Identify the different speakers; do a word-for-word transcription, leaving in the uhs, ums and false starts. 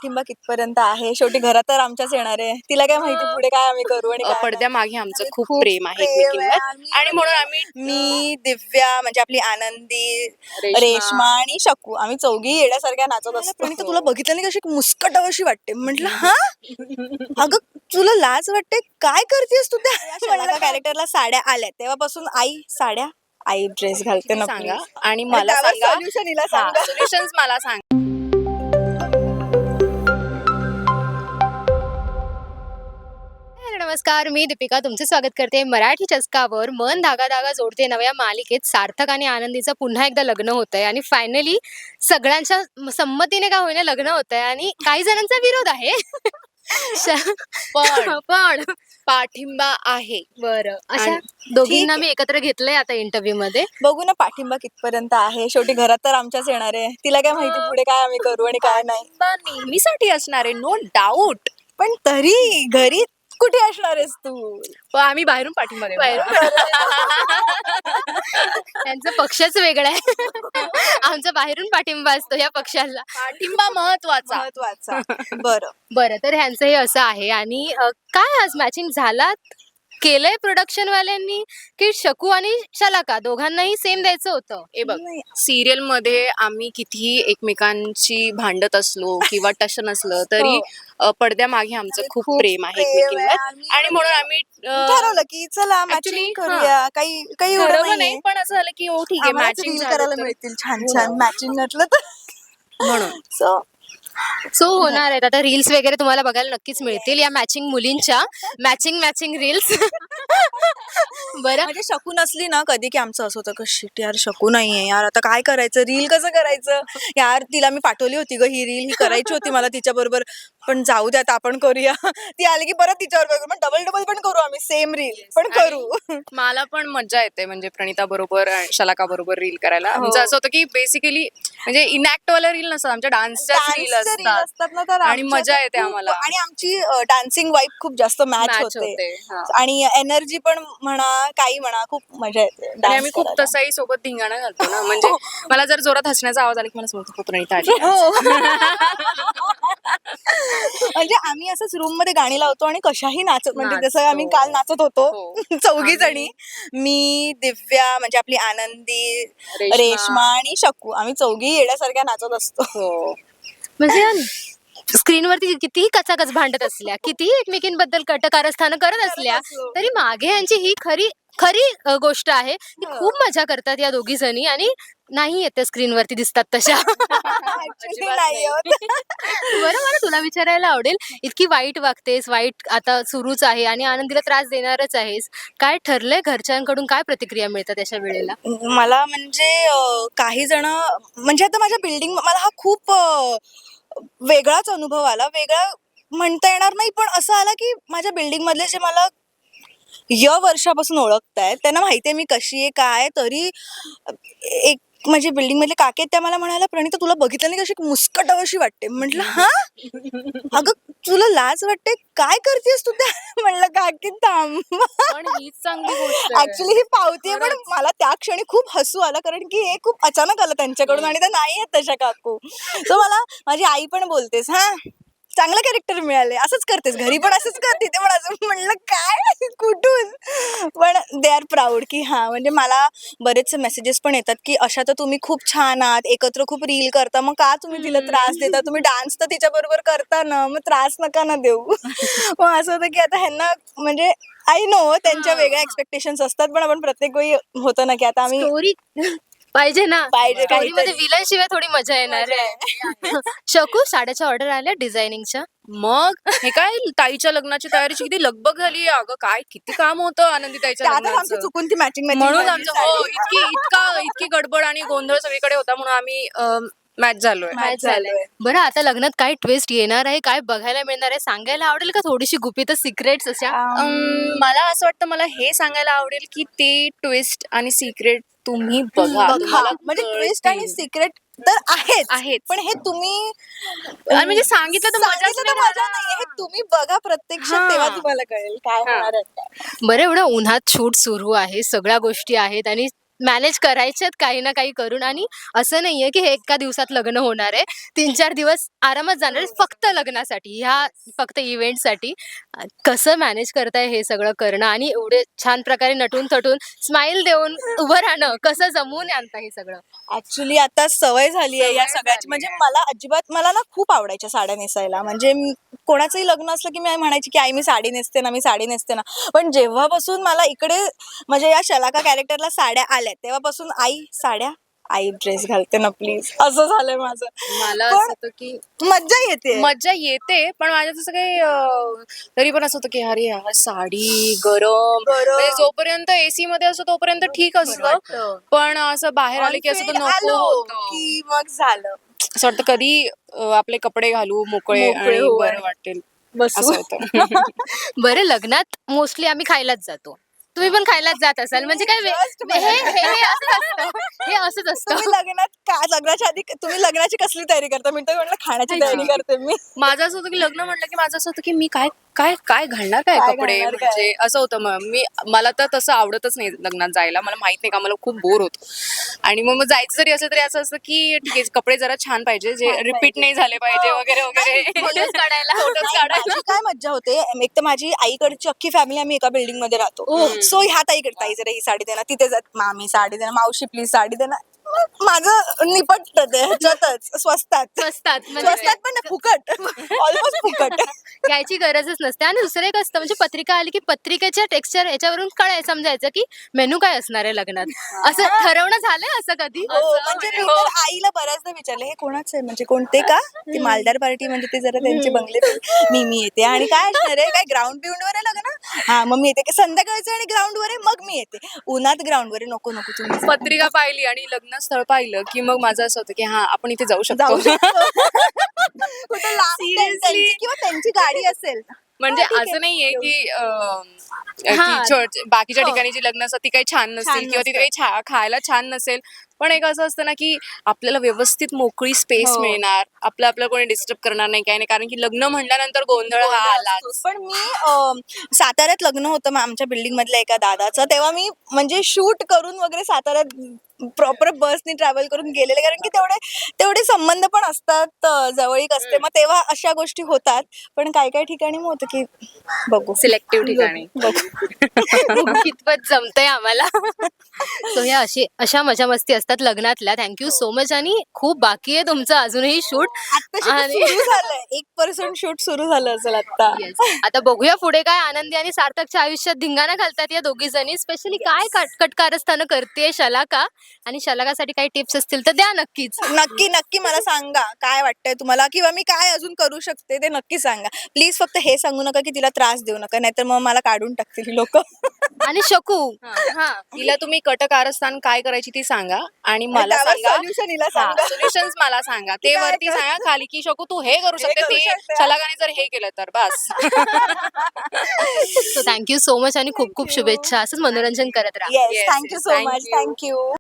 Speaker 1: पाठिंबा कितपर्यंत आहे. शेवटी घरात तर आमच्याच येणार आहे. तिला काय माहिती पुढे काय आम्ही करू आणि
Speaker 2: अ,
Speaker 1: काय नाही.
Speaker 2: पडद्यामागे आमचं
Speaker 1: आणि
Speaker 2: खूप प्रेम आहे
Speaker 1: प्रेम आहे.
Speaker 2: एकमेकींवर
Speaker 1: आम्ही
Speaker 2: आणि म्हणून आम्ही
Speaker 1: मी, दिव्या म्हणजे आपली आनंदी,
Speaker 2: रेश्मा.
Speaker 1: रेश्मा आणि शकू आम्ही चौघी येड्यासारख्या नाचत असतो. प्रणिता तुला बघितलं नाही कशी मुस्कटावशी वाटते. म्हटलं हा अगं तुला लाज वाटते काय करतेस तू त्या कॅरेक्टरला साड्या आल्या तेव्हापासून आई साड्या आई ड्रेस घालते ना
Speaker 2: सांगा
Speaker 1: please.
Speaker 2: आणि मला
Speaker 1: त्यावर
Speaker 2: सांगा
Speaker 1: solution हिला सांगा.
Speaker 2: सोल्युशन्स मला सांग.
Speaker 3: नमस्कार, मी दीपिका तुमचे स्वागत करते मराठी चस्कावर. मन धागा धागा जोडते नव्या मालिकेत सार्थक आणि आनंदीचं पुन्हा एकदा लग्न होतंय आणि फायनली सगळ्यांच्या संमतीने का होईना लग्न होतंय आणि काही जणांचा विरोध आहे.
Speaker 2: पण
Speaker 3: पण
Speaker 2: पाठिंबा आहे.
Speaker 3: बरं, अशा दोघींना
Speaker 1: ठीक
Speaker 3: मी एकत्र घेतलंय आता इंटरव्ह्यू मध्ये.
Speaker 1: बघू ना पाठिंबा कितपर्यंत आहे. शेवटी घरात तर आमच्याच येणार आहे. तिला काय माहिती पुढे काय आम्ही करू आणि काय नाही.
Speaker 2: पाठिंबा नेहमीसाठी असणार आहे, नो डाऊट.
Speaker 1: पण तरी घरी कुठे असणार आहेस तू.
Speaker 2: पण आम्ही बाहेरून पाठिंबा देऊ.
Speaker 3: त्यांचा पक्षच वेगळा आहे. आमचा बाहेरून पाठिंबा असतो या पक्षाला.
Speaker 2: पाठिंबा महत्वाचा.
Speaker 1: महत्वाचा. बरं
Speaker 3: बरं, तर ह्यांचं हे असं आहे आणि अ, काय आज मॅचिंग झालात केलंय प्रोडक्शन वाल्यांनी की शकू आणि शलाका दोघांनाही सेम द्यायचं होतं.
Speaker 2: हे बघ,
Speaker 1: नाही.
Speaker 2: सिरियल मध्ये आम्ही कितीही एकमेकांची भांडत असलो किंवा टशन असलं तरी अ, पडद्यामागे आमचं
Speaker 1: आम्ही
Speaker 2: खूप
Speaker 1: खूप
Speaker 2: प्रेम आहे
Speaker 1: प्रेम आहे.
Speaker 2: एकमेकींवर
Speaker 1: आम्ही
Speaker 2: आणि म्हणून आम्ही अ,
Speaker 1: ठरवलं की चला
Speaker 2: Actually,
Speaker 1: मॅचिंग करूया. काही काही एवढं
Speaker 2: ठरवलं नाही
Speaker 1: नाहीये.
Speaker 2: पण असं झालं की हो ठीक आहे
Speaker 1: आम्हालाच
Speaker 2: मॅचिंग
Speaker 1: रील
Speaker 2: झालं
Speaker 1: करायला
Speaker 2: तर
Speaker 1: मिळतील छान
Speaker 2: हो.
Speaker 1: छान मॅचिंग नटलं तर
Speaker 2: म्हणून
Speaker 1: सो
Speaker 3: सो होणार आहेत आता रील्स वगैरे तुम्हाला बघायला नक्कीच मिळतील या मॅचिंग मुलींच्या मॅचिंग मॅचिंग रील्स. बरं,
Speaker 1: म्हणजे शकू नसली ना कधी की आमचं असं होतं की शिट यार शकू नाहीये यार आता काय करायचं रील कसं करायचं यार तिला मी पाठवली होती ग ही रील ही करायची होती मला तिच्या बरोबर पण जाऊ द्या आता आपण करूया. ती आली की परत तिच्यावर करू पण डबल डबल पण करू आम्ही सेम रील पण करू.
Speaker 2: मला पण मजा येते म्हणजे प्रणिता बरोबर शलाका बरोबर रील करायला. आमचं असं होतं की बेसिकली म्हणजे इनॅक्ट वाला रील नसतात आमच्या डान्सच्याच रील
Speaker 1: Dance चे reel
Speaker 2: असतात
Speaker 1: असतात ना तर
Speaker 2: आणि
Speaker 1: आमच्या
Speaker 2: मजा
Speaker 1: तर
Speaker 2: येते
Speaker 1: खूप-
Speaker 2: आम्हाला.
Speaker 1: आणि आमची डान्सिंग वाईब खूप जास्त मॅच
Speaker 2: Match
Speaker 1: होते
Speaker 2: होते, हा.
Speaker 1: आणि एनर्जी पण म्हणा काही म्हणा खूप मजा येते
Speaker 2: आणि
Speaker 1: dance
Speaker 2: आम्ही खूप
Speaker 1: करायला.
Speaker 2: तसाही सोबत धिंगाणा घालतो ना म्हणजे मला जर जोरात हसण्याचा आवाज आला की मला समजतं खूप प्रणिता आली आज.
Speaker 1: हो. म्हणजे आम्ही असंच रूम मध्ये गाणी लावतो आणि कशाही नाचत म्हणजे जसं
Speaker 2: नाचतो.
Speaker 1: आम्ही काल नाचत होतो
Speaker 2: हो.
Speaker 1: चौघी जणी मी दिव्या म्हणजे आपली आनंदी
Speaker 2: रेश्मा.
Speaker 1: रेश्मा आणि शकू आम्ही चौघी येड्यासारख्या नाचत असतो.
Speaker 2: हो.
Speaker 3: म्हणजे स्क्रीनवरती कितीही कचाकच भांडत असल्या कितीही एकमेकींबद्दल कटकारस्थानं करत असल्या
Speaker 1: असलो.
Speaker 3: तरी मागे यांची ही खरी खरी अ, गोष्ट आहे की
Speaker 1: हो.
Speaker 3: खूप मजा करतात या दोघी जणी आणि नाही येत त्या स्क्रीनवरती दिसतात तशा.
Speaker 1: Actually नाही होत.
Speaker 3: बरं, मला तुला विचारायला आवडेल, इतकी वाईट वागतेस, वाईट आता सुरूच आहे आणि आनंदीला त्रास देणारच आहेस. काय ठरलंय घरच्यांकडून काय प्रतिक्रिया मिळतात अशा वेळेला?
Speaker 1: मला म्हणजे अं, काही जण म्हणजे आता माझ्या बिल्डिंग मला हा खूप अं, वेगळाच अनुभव आला वेगळा म्हणता येणार नाही पण असं आला की माझ्या बिल्डिंग मधले जे मला य वर्षापासून ओळखतायत त्यांना माहितीये मी कशी आहे काय तरी एक म्हणजे बिल्डिंग मधले काके आहेत, त्या मला म्हणाल्या प्रणिता तुला बघितलं नाही कशी मुस्कटावशी वाटते. म्हटलं हा अगं तुला लाज वाटते काय करतेस तू त्या म्हणलं काकी थांब.
Speaker 2: पण हीच चांगली गोष्ट आहे.
Speaker 1: ऍक्च्युली ही पावती आहे पण मला त्या क्षणी खूप हसू आलं कारण की हे खूप अचानक आलं त्यांच्याकडून आणि त्या नाही आहेत तशा काकू. सो मला माझी आई पण बोलतेस हा चांगलं कॅरेक्टर मिळाले असंच करतेस घरी पण असंच करते ते पण असं म्हणलं काय कुठून पण दे आर प्राऊड की हा म्हणजे मला बरेचसे मेसेजेस पण येतात की अशा तर तुम्ही खूप छान आहात एकत्र खूप रील करता मग का तुम्ही तिला त्रास देता तुम्ही डान्स तर तिच्या बरोबर करता ना मग त्रास नका ना देऊ. मग असं होतं की आता ह्यांना म्हणजे आय नो त्यांच्या वेगळ्या एक्सपेक्टेशन्स असतात पण आपण प्रत्येक वेळी होतं ना की आता आम्ही
Speaker 3: स्टोरी पाहिजे ना.
Speaker 1: पाहिजे
Speaker 3: स्टोरी मध्ये
Speaker 1: काहीतरी.
Speaker 3: विलन शिवाय थोडी मजा येणार
Speaker 1: मजा
Speaker 3: आहे. शकू साड्याच्या ऑर्डर आल्या डिझायनिंगच्या.
Speaker 2: मग हे काय ताईच्या लग्नाची तयारीची किती लगबग झाली अगं काय किती काम होतं आनंदी ताईच्या
Speaker 1: त्यातच आमचं
Speaker 2: लग्नाचं.
Speaker 1: चुकून ती मॅचिंग
Speaker 2: म्हणून आमचं हो इतकी इतका इतकी गडबड आणि गोंधळ सगळीकडे होता म्हणून आम्ही मॅच झालोय.
Speaker 1: मॅच
Speaker 3: झालंय.
Speaker 1: झालोय.
Speaker 3: बरं, आता लग्नात काय ट्विस्ट येणार आहे काय बघायला मिळणार आहे सांगायला आवडेल का थोडीशी गुपित सिक्रेट्स अशा?
Speaker 2: अम, मला असं वाटतं मला हे सांगायला आवडेल की ते ट्विस्ट आणि सिक्रेट तुम्ही बघा
Speaker 1: बघा
Speaker 2: तुम्हाला
Speaker 1: म्हणजे ट्विस्ट आणि
Speaker 2: कळतील.
Speaker 1: सिक्रेट तर आहेच
Speaker 2: आहेच.
Speaker 1: पण हे तुम्ही
Speaker 2: आणि म्हणजे सांगितलं तर मजाच
Speaker 1: सांगितलं तर
Speaker 2: नाही
Speaker 1: मजा
Speaker 2: राहणार.
Speaker 1: नाहीये हे तुम्ही बघा प्रत्यक्षात
Speaker 2: हा.
Speaker 1: तेव्हा तुम्हाला कळेल काय
Speaker 2: हा.
Speaker 1: होणार आहे.
Speaker 3: बरं, एवढं उन्हात शूट सुरू आहे सगळ्या गोष्टी आहेत आणि मॅनेज करायचे काही ना काही करून. आणि असं नाहीये की हे एका दिवसात लग्न होणार आहे, तीन चार दिवस आरामात जाणार आहे फक्त लग्नासाठी, ह्या फक्त इव्हेंटसाठी. कसं मॅनेज करताय हे सगळं करणं आणि एवढे छान प्रकारे नटून थटून स्माइल देऊन उभं राहणं, कसं जमवून आणता हे सगळं?
Speaker 1: ऍक्च्युली आता सवय झाली आहे या
Speaker 3: सवय
Speaker 1: सगळ्याची.
Speaker 3: झाली
Speaker 1: म्हणजे
Speaker 3: आहे.
Speaker 1: मला अजिबात मला ना खूप आवडायच्या साड्या नेसायला. म्हणजे मी- कोणाचंही लग्न असलं की मी म्हणायची की आई मी साडी नेसते ना, मी साडी नेसते ना. पण जेव्हापासून मला इकडे म्हणजे या शलाका कॅरेक्टरला साड्या आल्या तेव्हापासून आई साड्या, आई ड्रेस घालते ना प्लीज, असं झालंय माझं.
Speaker 2: मला
Speaker 1: पण
Speaker 2: असं होतं की
Speaker 1: मज्जा येते.
Speaker 2: मज्जा येते, पण माझ्या तसं काही अं, तरी पण असं होतं की अरे यार साडी गरम,
Speaker 1: गरम.
Speaker 2: म्हणजे जोपर्यंत एसी मध्ये असतो तोपर्यंत ठीक असतं,
Speaker 1: वाटतं.
Speaker 2: पण असं बाहेर आले की असं तर
Speaker 1: On field
Speaker 2: नको
Speaker 1: आलो
Speaker 2: होतं.
Speaker 1: की मग झालं
Speaker 2: असं वाटतं कधी अं, आपले कपडे घालू मोकळे
Speaker 1: मोकळे
Speaker 2: आणि
Speaker 1: होऊ
Speaker 2: बरं
Speaker 1: आणि
Speaker 2: वाटेल
Speaker 1: बसू.
Speaker 2: असं होतं.
Speaker 3: बरं, लग्नात मोस्टली आम्ही खायलाच जातो, तुम्ही पण खायलाच जात असाल, म्हणजे काय वे-
Speaker 1: Just
Speaker 3: हे हे हे असंच असतं, हे असंच असतं.
Speaker 1: तुम्ही लग्नात का लग्नाच्या आधी तुम्ही लग्नाची कसली तयारी करता? मी तर म्हटलं खाण्याची तयारी
Speaker 2: खायची.
Speaker 1: करते मी.
Speaker 2: माझं असं होतं की लग्न म्हटलं की माझं असं होतं की मी काय काय काय घालणार काय
Speaker 1: काय
Speaker 2: कपडे,
Speaker 1: घालणार काय?
Speaker 2: म्हणजे असं होतं. मग मी मला तर तसं आवडतच नाही लग्नात जायला, मला माहित नाही का, मला खूप बोर होतो. आणि मग मग जायचं जरी असलं तरी असं असतं की ठीक आहे कपडे जरा छान पाहिजे, जे
Speaker 1: छान
Speaker 2: रिपीट
Speaker 1: पाहिजे.
Speaker 2: नाही झाले पाहिजे
Speaker 1: हो.
Speaker 2: वगैरे वगैरे.
Speaker 3: Photos काढायला.
Speaker 2: Photos
Speaker 1: नाही,
Speaker 2: काढायला.
Speaker 1: माझी काय मज्जा होते, एक तर माझी आईकडची अख्खी फॅमिली आम्ही एका बिल्डिंग मध्ये राहतो.
Speaker 3: ओह.
Speaker 1: सो ह्या ताईकडे ताई जरा ही साडी देणार, तिथे जात मामी साडी देणार, मावशी प्लीज साडी देणार. मग माझं निपटत ते ह्याच्यातच स्वस्तात
Speaker 3: स्वस्तात म्हणजे
Speaker 1: स्वस्तात पण नाही, फुकट ऑलमोस्ट फुकट.
Speaker 3: घ्यायची गरजच नसते. आणि दुसरं एक असतं, म्हणजे पत्रिका आली की पत्रिकेच्या टेक्स्चर याच्यावरून कळाय समजायचं की मेनू काय असणार आहे लग्नात, असं ठरवणं झालंय असं कधी?
Speaker 1: हो, म्हणजे मी तर आईला बऱ्याचदा विचारलं हे कोणाचं आहे, म्हणजे कोणते का ती मालदार पार्टी, म्हणजे ते जरा त्यांचे बंगले बिंगले. मी मी येते आणि काय असणार आहे, काय ग्राउंड बिउंड वर आहे लग्न, हा मग मी येते. की संध्याकाळचं आणि ग्राउंड वर आहे मग मी येते, उन्हात ग्राउंड वर आहे, नको नको तुम्ही जा.
Speaker 2: पत्रिका पाहिली आणि लग्न स्थळ पाहिलं की मग माझं असं होतं की हा आपण इथे जाऊ शकतो.
Speaker 1: जाऊ शकतो. कुठं लांब
Speaker 2: Seriously?
Speaker 1: त्यांची किंवा त्यांची गाडी असेल.
Speaker 2: म्हणजे
Speaker 1: हा, ठीक आहे.
Speaker 2: असं नाहीये की अं,
Speaker 3: हा.
Speaker 2: की church- बाकीच्या
Speaker 1: हो.
Speaker 2: ठिकाणी जी लग्न असतात ती काही छान नसतील
Speaker 1: छान
Speaker 2: किंवा तिथे काही छा- खायला छान नसेल, पण एक असं असतं ना की आपल्याला व्यवस्थित मोकळी स्पेस
Speaker 1: हो.
Speaker 2: मिळणार, आपलं आपलं कोणी डिस्टर्ब करणार नाही काही नाही, कारण की लग्न म्हटल्यानंतर गोंधळ हा आलाच.
Speaker 1: पण मी अं, साताऱ्यात लग्न होतं मग आमच्या बिल्डिंग मधल्या एका दादाचं, तेव्हा मी म्हणजे शूट करून वगैरे साताऱ्यात प्रॉपर बसनी ट्रॅव्हल करून गेलेले, कारण की तेवढे तेवढे संबंध पण असतात, अं, जवळीक असते, मग तेव्हा अशा गोष्टी होतात. पण काही काही ठिकाणी मग होतं की बघू
Speaker 2: सिलेक्टिव्ह ठिकाणी.
Speaker 3: बघू कितपत जमतंय आम्हाला. सो ह्या अशी अशा मजा मस्ती असतात लग्नातल्या. Thank you so much. आणि खूप बाकी आहे तुमचं अजूनही शूट.
Speaker 1: आत्ताशी
Speaker 3: आणि
Speaker 1: सुरू झालंय, एक पर्सेंट शूट सुरू झालं असेल आता.
Speaker 3: आता बघूया पुढे काय आनंदी आणि सार्थकच्या आयुष्यात धिंगाणा घालतात या दोघी जणी. स्पेशली काय कट- कटकारस्थानं करते शलाका, आणि शलाकासाठी काही टिप्स असतील तर द्या नक्कीच.
Speaker 1: नक्की नक्की मला सांगा काय वाटतंय तुम्हाला, किंवा मी काय अजून करू शकते ते नक्की सांगा प्लीज. फक्त हे सांगू नका की तिला त्रास देऊ नका, नाहीतर मग मला काढून टाकतील लोक.
Speaker 3: आणि शकू हा
Speaker 2: तिला तुम्ही कटकारस्थान काय करायची ती सांगा आणि मला सांगा
Speaker 1: सोल्युशन हिला सांगा.
Speaker 2: सोल्युशन्स मला सांगा, ते
Speaker 1: काय
Speaker 2: वरती
Speaker 1: कर-
Speaker 2: सांगा खाली की शकू तू हे करू
Speaker 1: हे
Speaker 2: शकते,
Speaker 1: करू
Speaker 2: ते
Speaker 1: शकते.
Speaker 2: शलाकाने जर हे केलं तर बस.
Speaker 3: सो थँक्यू सो मच आणि खूप खूप शुभेच्छा. असंच मनोरंजन करत राहा.
Speaker 1: Yes,
Speaker 2: Yes,
Speaker 1: thank you
Speaker 2: yes,
Speaker 1: so
Speaker 2: thank
Speaker 1: मच,
Speaker 2: you.
Speaker 1: थँक्यू.